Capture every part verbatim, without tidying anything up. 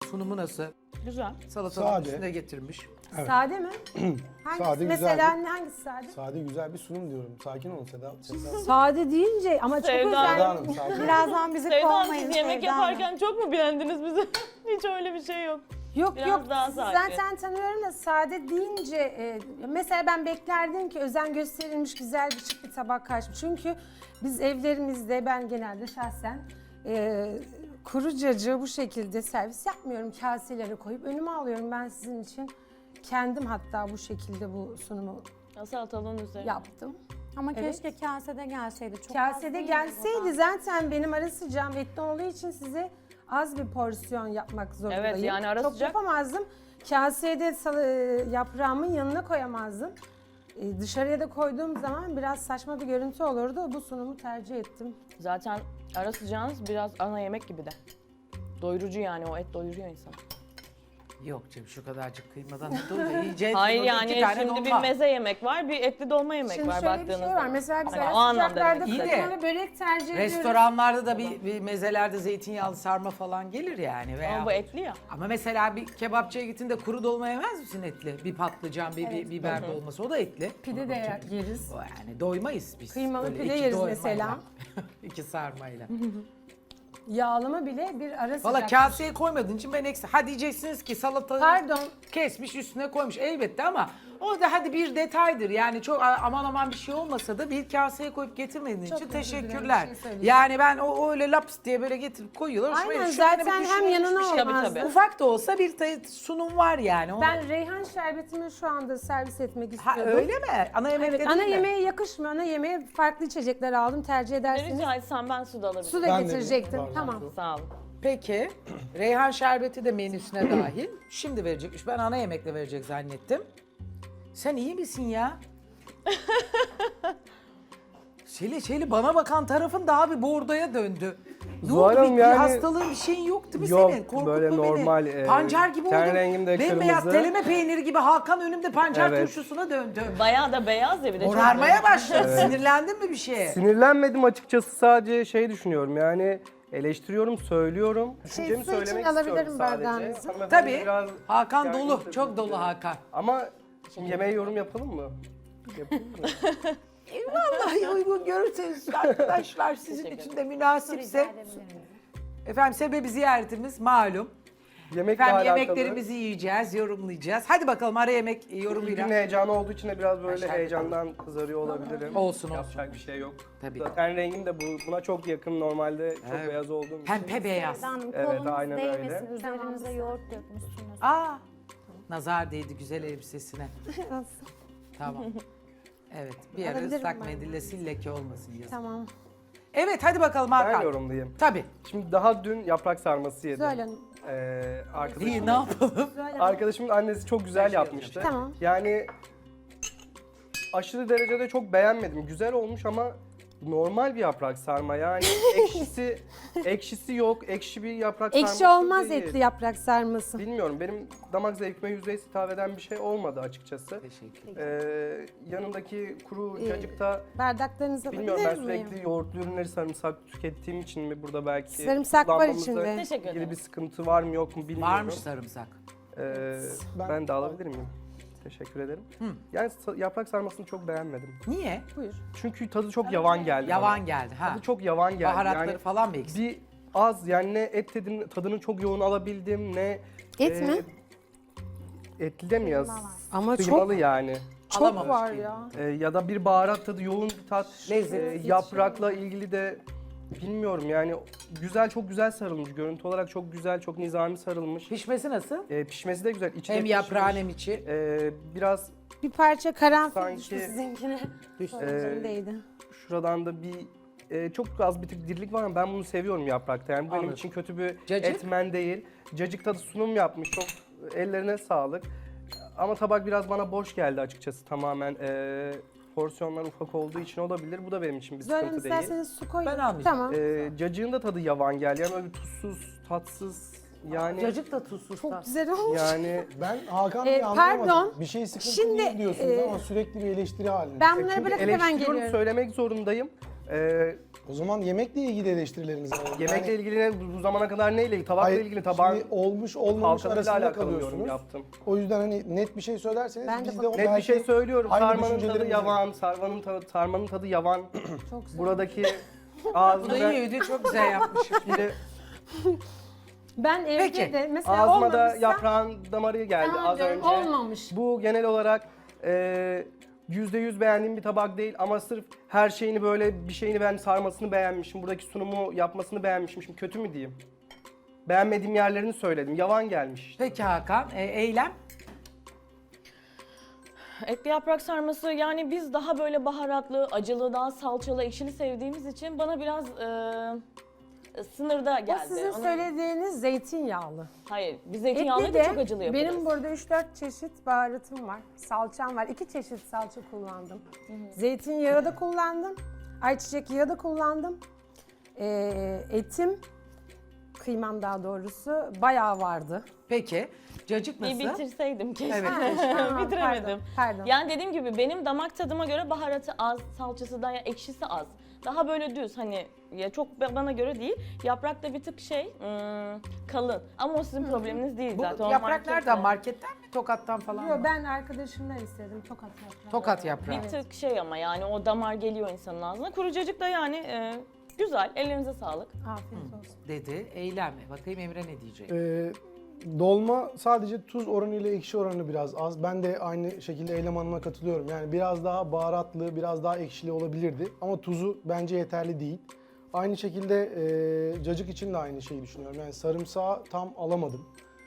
sunumu nasıl? Güzel. Salatanın Sade. üstüne getirmiş. Evet. Sade mi? Hangisi? Sade, Mesela güzel. hangisi sade? Sade güzel bir sunum diyorum. Sakin olun Seda. Seda. Sade deyince ama çok Sevda özel. Seda Hanım sakin. Birazdan bizi Sevda Hanım, kovmayın. siz yemek Sevda Hanım. yaparken çok mu beğendiniz bizi? Hiç öyle bir şey yok. Yok Biraz yok daha sizi sakin. zaten tanıyorum da sade deyince e, mesela ben beklerdim ki özen gösterilmiş güzel bir şık bir tabak karşı. Çünkü biz evlerimizde ben genelde şahsen e, kuru cacığı bu şekilde servis yapmıyorum. Kaselere koyup önüme alıyorum ben sizin için. Kendim hatta bu şekilde bu sunumu Ya salatalığın üzerine. yaptım. Ama Evet. keşke kasede gelseydi. Çok az Kasede değil mi gelseydi burada? zaten benim ara sıcağım etli olduğu için size az bir porsiyon yapmak zorundayım. Evet, yani ara Çok sıcak- yapamazdım. Kasede sal- e, yaprağımın yanına koyamazdım. E, dışarıya da koyduğum zaman biraz saçma bir görüntü olurdu. Bu sunumu tercih ettim. Zaten ara sıcağınız biraz ana yemek gibi de. Doyurucu yani, o et doyuruyor insanı. Yok canım şu kadarcık kıymadan ne doyuyor? Yiyeceğiz. Hayır burada yani iki tane şimdi bir dolma. meze yemek var, bir etli dolma yemek Şimdi var şöyle bir baktığınızda. şey var. Mesela biz Hani o ara anlamda sıcaklarda demek İyi de, kıymalı börek tercih ediyoruz. Restoranlarda da bir, bir mezelerde zeytinyağlı sarma falan gelir yani. Veya... Ama bu etli ya. Ama mesela bir kebapçıya gittin de kuru dolma yemez misin etli? Bir patlıcan, bir, bir biber dolması o da etli. Pide de yeriz. O yani doymayız biz. Kıymalı Öyle pide iki yeriz doymayla. mesela. İki sarmayla. Yağlama bile bir ara sıcak. Valla kaseye koymadığın için ben eksi. Ha diyeceksiniz ki salata Pardon. kesmiş üstüne koymuş elbette ama o da hadi bir detaydır. Yani çok aman aman bir şey olmasa da bir kaseye koyup getirmediğin Çok için özür dilerim, teşekkürler. bir şey söyleyeceğim. Yani ben o, o öyle laps diye böyle getirip koyuyorlar. Hoşuma Aynen gidiyor. Şöyle bir zaten hem düşünülmüş yanına bir şey. Tabii, olmaz. tabii. Ufak da olsa bir tay- sunum var yani. Onu- Ben reyhan şerbetimi şu anda servis etmek Ha istiyordum. öyle mi? Ana yemek Evet, dedin ana mi? yemeğe yakışmıyor. Ana yemeğe farklı içecekler aldım. Tercih ederseniz Rica etsem ben su da alabilirim. su da Ben de getirecektim. bir Tamam. bardak Sağ olun. Peki. Reyhan şerbeti de menüsüne dahil. Şimdi verecekmiş. Ben ana yemekle verecek zannettim. Sen iyi misin ya? Şeli Şeli bana bakan tarafın daha bir bordoya döndü. Ne Zuhal oldu? Hanım Bir, bir yani- hastalığın bir şeyin yok değil mi Yok, senin? Korkutma böyle beni. normal, e, Pancar gibi ten oldum. rengim de Bembeyaz kırmızı. teleme peyniri gibi Hakan önümde pancar Evet. turşusuna döndü. Bayağı da beyaz ya bir de. çok Morarmaya beyaz. başladı. Sinirlendin mi bir şeye? Sinirlenmedim açıkçası, sadece şey düşünüyorum yani eleştiriyorum, söylüyorum. Düşüncemi su için söylemek alabilirim istiyorum sadece. bardağınızı. Hanımefendi Tabii. biraz Hakan gergin dolu. tabii. Çok dolu Hakan. Ama şimdi yemeğe yorum yapalım mı? Yapalım mı? Vallahi uygun görürseniz arkadaşlar sizin için de münasipse. Efendim sebebi ziyaretimiz malum. Yemekle Efendim alakalı. yemeklerimizi yiyeceğiz, yorumlayacağız. Hadi bakalım ara yemek Günün yorumuyla. heyecanı olduğu için de biraz böyle Aşağı heyecandan kızarıyor olabilirim. Olsun, Yapacak bir şey yok. Tabii. Zaten rengim de bu, buna çok yakın, normalde çok Evet. beyaz olduğum için. Pembe beyaz. Sevda Hanım, Evet, kolunuz aynen öyle. değmesin. Üzerinize yoğurt dökmüşsünüz. Aa, nazar değdi güzel elbisesine. Tamam. Evet, bir ara Alabilirim ıslak ben. mendille sil leke olmasın yazın. Tamam. Evet, hadi bakalım Ben Hakan. yorumlayayım. Tabii. Şimdi daha dün yaprak sarması yedim. Zuhal Hanım. Ee, İyi, arkadaşım, ne yapalım? Zuhal Hanım. arkadaşımın annesi çok güzel yapmıştı. Tamam. Yani aşırı derecede çok beğenmedim. Güzel olmuş ama normal bir yaprak sarma. Yani ekşisi ekşisi yok. Ekşi bir yaprak sarması Ekşi olmaz değil. etli yaprak sarması. Bilmiyorum, benim damak zevkime yüzde yüz hitap eden bir şey olmadı açıkçası. Teşekkür Ee, yanındaki kuru Ee, cacıkta Bardaklarınızı bilmiyorum, ben alabilir miyim? sürekli yoğurtlu ürünleri, sarımsak tükettiğim için mi burada belki Sarımsak var kullanmamızda içinde. Teşekkür ilgili ederim. bir sıkıntı var mı yok mu bilmiyorum. Varmış sarımsak. Ee, Ben- ben de alabilir miyim? Teşekkür ederim. Yani sa- yaprak sarmasını çok beğenmedim. Niye? Buyur. Çünkü tadı çok yavan geldi. Yavan bana. geldi ha. Tadı çok yavan geldi. Baharatları yani falan mı eksik? bir az, yani ne et tadını, tadını çok yoğun alabildim, ne Et e, mi? etli de mi yaz? Ama Kıymalı yani. Çok Alamamış var ki. ya. E, ya da bir baharat tadı, yoğun bir tat. Lezzet. E, yaprakla ilgili de bilmiyorum yani, güzel, çok güzel sarılmış. Görüntü olarak çok güzel, çok nizami sarılmış. Pişmesi nasıl? E, pişmesi de güzel. İçi de Hem pişmiş. yaprağın hem içi. E, biraz Bir parça karanfil Sanki- düştü sizinkine. Düştü. Üzerindeydi. şuradan da bir e, çok az bir tık dirilik var ama ben bunu seviyorum yaprakta. Yani bu benim Anladım. için kötü bir Cacık? etmen değil. Cacık tadı sunum yapmış. Çok ellerine sağlık. Ama tabak biraz bana boş geldi açıkçası tamamen. E, porsiyonlar ufak olduğu için olabilir. Bu da benim için bir Zuhal Hanım sıkıntı değil. isterseniz su koyun. Ben almayacağım. Tamam. E, cacığın da tadı yavan geldi. Yani böyle bir tuzsuz, tatsız. Yani Cacık da tuzsuz. Çok da. güzel olmuş. yani Ben Hakan Ee, Bey'i anlayamadım. pardon. Bir şey sıkıntı Şimdi, değil diyorsunuz e, ama sürekli bir eleştiri halinde. Ben bunları çünkü bırakıp hemen eleştiriyorum, geliyorum. söylemek zorundayım. Ee, O zaman yemekle ilgili eleştirileriniz var. yemekle Yani- ilgili ne- bu zamana kadar neyle ilgili? Tabakla Hayır, ilgili tabağın şimdi olmuş olmamış halkasıyla arasında alakalı yorum kalıyorsunuz. yaptım. O yüzden hani net bir şey söylerseniz Ben de biz de bak- o Net bir belki şey söylüyorum. aynı Sarmanın tadı düşüncelerimiz yavan, sarmanın tadı, sarmanın tadı yavan. Çok güzel. Buradaki Bu da ağzımda, iyiydi, çok güzel yapmış. şimdi Ben evde Peki. de mesela ağzıma da olmamışsa yaprağın damarı geldi tamam az diyorum, önce. olmamış. Bu genel olarak e, yüzde yüz beğendiğim bir tabak değil ama sırf her şeyini böyle bir şeyini ben sarmasını beğenmişim. Buradaki sunumu yapmasını beğenmişim. Şimdi kötü mü diyeyim? Beğenmediğim yerlerini söyledim. Yavan gelmiş işte. Peki Hakan, e, Eylem? Etli yaprak sarması yani biz daha böyle baharatlı, acılı, daha salçalı, ekşili sevdiğimiz için bana biraz e, sınırda O geldi. sizin Onu- söylediğiniz zeytinyağlı. Hayır, biz Etli zeytinyağlıyı da de çok acılı yaparız. benim burada üç dört çeşit baharatım var. Salçam var. iki çeşit salça kullandım. Zeytinyağı da kullandım. Ayçiçek yağı da kullandım. Ee, etim, kıymam daha doğrusu bayağı vardı. Peki, cacık Bir nasıl? bitirseydim keşke. Evet, Tamam, Bitiremedim. Pardon. pardon. Yani dediğim gibi benim damak tadıma göre baharatı az, salçası da ya ekşisi az. Daha böyle düz hani ya çok ba- bana göre değil. Yaprak da bir tık şey hmm, kalın. Ama o sizin probleminiz değil Bu zaten. O yaprak marketle. nereden? Marketten mi? Tokat'tan falan Yo, mı? ben arkadaşımdan istedim tokat yaprağı. Tokat yaprağı. Bir tık şey ama yani o damar geliyor insanın ağzına. Kurucacık da yani e, güzel. Ellerinize sağlık. Afiyet olsun. Dedi. Eylem mi? Bakayım Emre ne diyecek? Ee, dolma sadece tuz oranı ile ekşi oranı biraz az. Ben de aynı şekilde Eylem Hanım'a katılıyorum. Yani biraz daha baharatlı, biraz daha ekşili olabilirdi. Ama tuzu bence yeterli değil. Aynı şekilde e, cacık için de aynı şeyi düşünüyorum. Yani sarımsağı tam alamadım.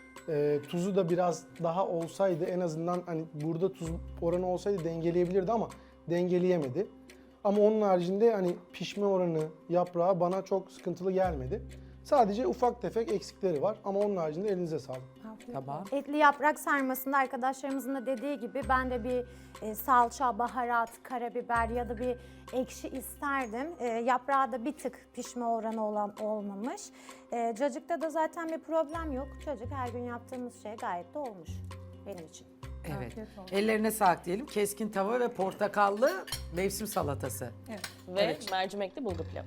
E, tuzu da biraz daha olsaydı en azından hani burada tuz oranı olsaydı dengeleyebilirdi ama dengeleyemedi. Ama onun haricinde hani pişme oranı, yaprağı bana çok sıkıntılı gelmedi. Sadece ufak tefek eksikleri var ama onun haricinde elinize sağlık. Afiyet Tamam. Etli yaprak sarmasında arkadaşlarımızın da dediği gibi ben de bir e, salça, baharat, karabiber ya da bir ekşi isterdim. E, yaprağı da bir tık pişme oranı olan olmamış. E, cacıkta da zaten bir problem yok. Cacık her gün yaptığımız şey gayet de olmuş benim için. Evet. Afiyet olsun. Ellerine sağlık diyelim. Keskin tava ve portakallı mevsim salatası. Ve mercimekli bulgur pilavı.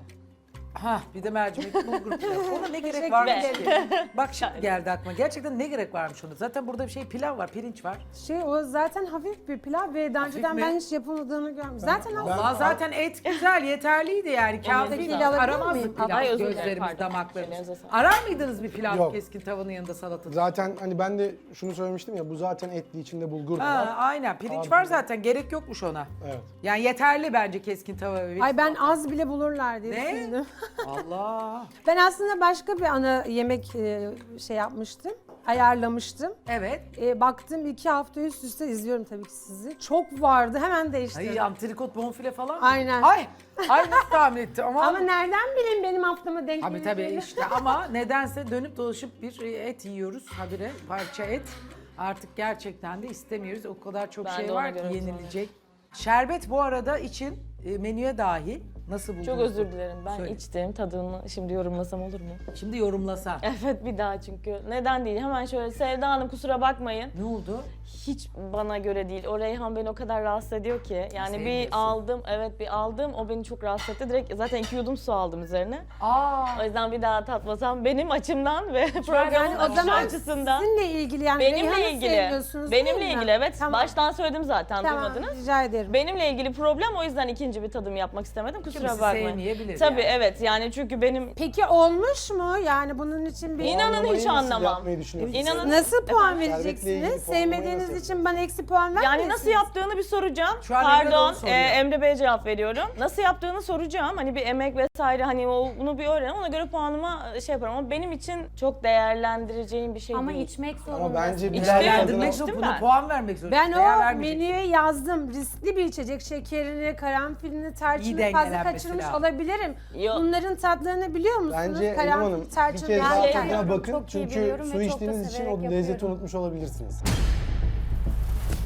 Ha bir de mercimekli bulgur pilavı. Ona ne gerek Teşekkür varmış ederim. ki? Bak şimdi geldi aklıma. Gerçekten ne gerek varmış ona? Zaten burada bir şey pilav var, pirinç var. Şey o zaten hafif bir pilav ve daha Hafif önceden mi? ben hiç yapılmadığını görmüyorum. Zaten hafif. Allah zaten et güzel, yeterliydi yani. Kağıda Onu gidip bir alabilir aramazdık miyim? pilav Ay, özür dilerim, gözlerimiz, pardon. damaklarımız. Ellerinize sağlık. Arar mıydınız bir pilav Yok. keskin tavanın yanında salata? Zaten hani ben de şunu söylemiştim ya bu zaten etli içinde bulgur da Ha, var. aynen pirinç Abi. var zaten gerek yokmuş ona. Evet. Yani yeterli bence keskin tava ve Ay ben az bile bulurlar diye Ne? düşündüm. Allah. Ben aslında başka bir ana yemek e, şey yapmıştım. Ayarlamıştım. Evet. E, baktım iki hafta üst üste izliyorum tabii ki sizi. Çok vardı hemen değiştirdim. Ay antrikot bonfile falan mı? Aynen. Ay. Ay nasıl tahmin etti ama. Ama nereden bileyim benim haftama denk Tabii tabii geleceğini? işte ama nedense dönüp dolaşıp bir et yiyoruz habire parça et. Artık gerçekten de istemiyoruz. O kadar çok Ben şey de ona var ki göre yenilecek. Şerbet bu arada için e, menüye dahil. Nasıl buldunuz? Çok özür dilerim. Ben Söyle. içtim tadını. Şimdi yorumlasam olur mu? Şimdi yorumlasan. Evet bir daha çünkü. Neden değil? Hemen şöyle Sevda Hanım kusura bakmayın. Ne oldu? Hiç bana göre değil. O reyhan beni o kadar rahatsız ediyor ki. Yani Sevmiyorsun. bir aldım, evet bir aldım. O beni çok rahatsız etti. Direkt zaten iki yudum su aldım üzerine. Aa. O yüzden bir daha tatmasam benim açımdan ve programın Yani o akışı zaman açısından. sizinle ilgili yani Benimle Reyhan'ı ilgili. sevmiyorsunuz Benimle değil mi? ilgili evet. Tamam. Baştan söyledim zaten Tamam, duymadınız. rica ederim. Benimle ilgili problem o yüzden ikinci bir tadım yapmak istemedim. Kusura Kimisi bakmayın. sevmeyebilir Tabii yani. evet yani çünkü benim Peki olmuş mu? Yani bunun için bir... İnanın Puanlamayı hiç nasıl anlamam. yapmayı düşünüyorsunuz? İnanın- Nasıl puan Şerbetle ilgili vereceksiniz? puanlamayı Sevmediğiniz nasıl için bana eksi puan vermiyorsunuz. Yani nasıl yaptığını bir soracağım. Şu an Emre de onu Pardon, soruyor. e, Emre Bey'e cevap veriyorum. Nasıl yaptığını soracağım. Hani bir emek vesaire hani o bunu bir öğrenelim. Ona göre puanıma şey yaparım. Ama benim için çok değerlendireceğim bir şey Ama değil. içmek zorunda. Ama bence İçtim. birer Değerlendirmek İçtim zorunda, ben. buna puan vermek zorunda. Ben Değer o vermeyeceksin. menüye yazdım. Riskli bir içecek. Şekerini, karanfilini, İyi tarçını fazla dengelenmesi kaçırmış lazım. olabilirim. Yok. Bunların tadlarını biliyor musunuz? Bence Eylem Karanfil, Hanım bir tarçın, kez daha yani- yani- tadına bakın Çok iyi çünkü biliyorum ve su çok da içtiğiniz için o severek lezzeti yapıyorum. unutmuş olabilirsiniz.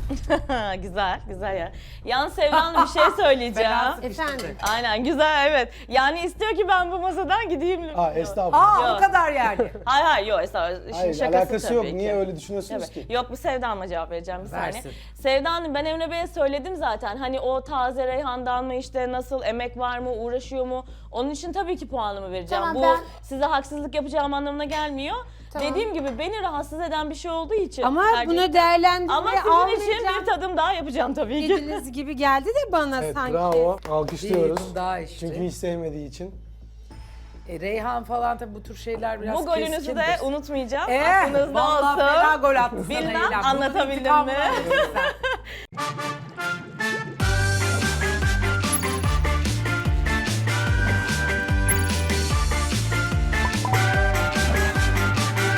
Güzel, güzel ya. Yalnız Sevda Hanım bir şey söyleyeceğim. Fena sıkıştırdı. Efendim? Aynen güzel evet. Yani istiyor ki ben bu masadan gideyim. Aa estağfurullah. Aa Yok. o kadar yani. Hayır hayır yok estağfurullah. İşin Hayır şakası alakası tabii yok. ki. Niye öyle düşünüyorsunuz Evet. ki? Yok bu Sevda Hanım'a cevap vereceğim bir Versin. saniye. Sevda Hanım ben Emre Bey'e söyledim zaten. Hani o taze reyhandan mı işte nasıl emek var mı uğraşıyor mu? Onun için tabii ki puanımı vereceğim. Tamam, bu ben- size haksızlık yapacağım anlamına gelmiyor. Tamam. Dediğim gibi beni rahatsız eden bir şey olduğu için. Ama tercih- bunu değerlendirmeye Ama sizin için almayacağım. bir tadım daha yapacağım tabii ki. Dediğiniz gibi geldi de bana Evet sanki. bravo. Bir Alkışlıyoruz. yudum daha içti. Çünkü hiç sevmediği için. E, Reyhan falan tabii bu tür şeyler biraz Bu golünüzü de keskindir. unutmayacağım. Eh, Aklınızda vallahi olsun. fena gol attın sana Bilmem, Eylem. Bunun anlatabildim intikamını mi? alacaksın sen.